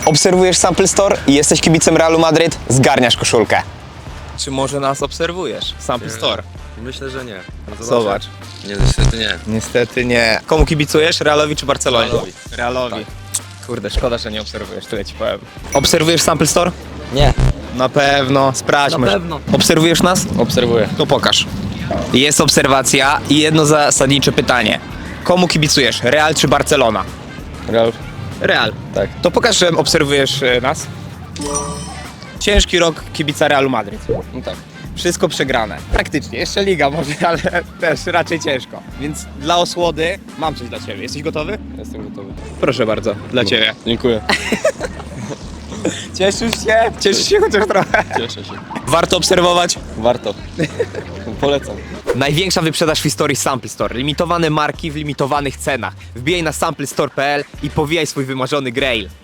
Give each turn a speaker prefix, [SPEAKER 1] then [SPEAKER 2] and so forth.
[SPEAKER 1] Obserwujesz Sample Store i jesteś kibicem Realu Madryt, zgarniasz koszulkę. Czy może nas obserwujesz? Sample Store.
[SPEAKER 2] Myślę, że nie.
[SPEAKER 1] Zobacz.
[SPEAKER 2] Nie, niestety nie.
[SPEAKER 1] Niestety nie. Komu kibicujesz? Realowi czy Barcelonie?
[SPEAKER 2] Realowi.
[SPEAKER 1] Realowi. Kurde, szkoda, że nie obserwujesz, tyle ci powiem. Obserwujesz Sample Store?
[SPEAKER 2] Nie.
[SPEAKER 1] Na pewno, sprawdźmy.
[SPEAKER 2] Na pewno.
[SPEAKER 1] Obserwujesz nas?
[SPEAKER 2] Obserwuję.
[SPEAKER 1] To pokaż. Jest obserwacja i jedno zasadnicze pytanie. Komu kibicujesz? Real czy Barcelona?
[SPEAKER 2] Real.
[SPEAKER 1] Real.
[SPEAKER 2] Tak.
[SPEAKER 1] To pokaż, że obserwujesz nas. Ciężki rok kibica Realu Madryt.
[SPEAKER 2] No tak.
[SPEAKER 1] Wszystko przegrane. Praktycznie. Jeszcze liga może, ale też raczej ciężko. Więc dla osłody mam coś dla ciebie. Jesteś gotowy?
[SPEAKER 2] Jestem gotowy.
[SPEAKER 1] Proszę bardzo, dla ciebie.
[SPEAKER 2] Dziękuję.
[SPEAKER 1] Cieszysz się? Cieszysz się chociaż trochę.
[SPEAKER 2] Cieszę się.
[SPEAKER 1] Warto obserwować.
[SPEAKER 2] Warto. Polecam.
[SPEAKER 1] Największa wyprzedaż w historii Sample Store. Limitowane marki w limitowanych cenach. Wbijaj na samplestore.pl i powijaj swój wymarzony grail.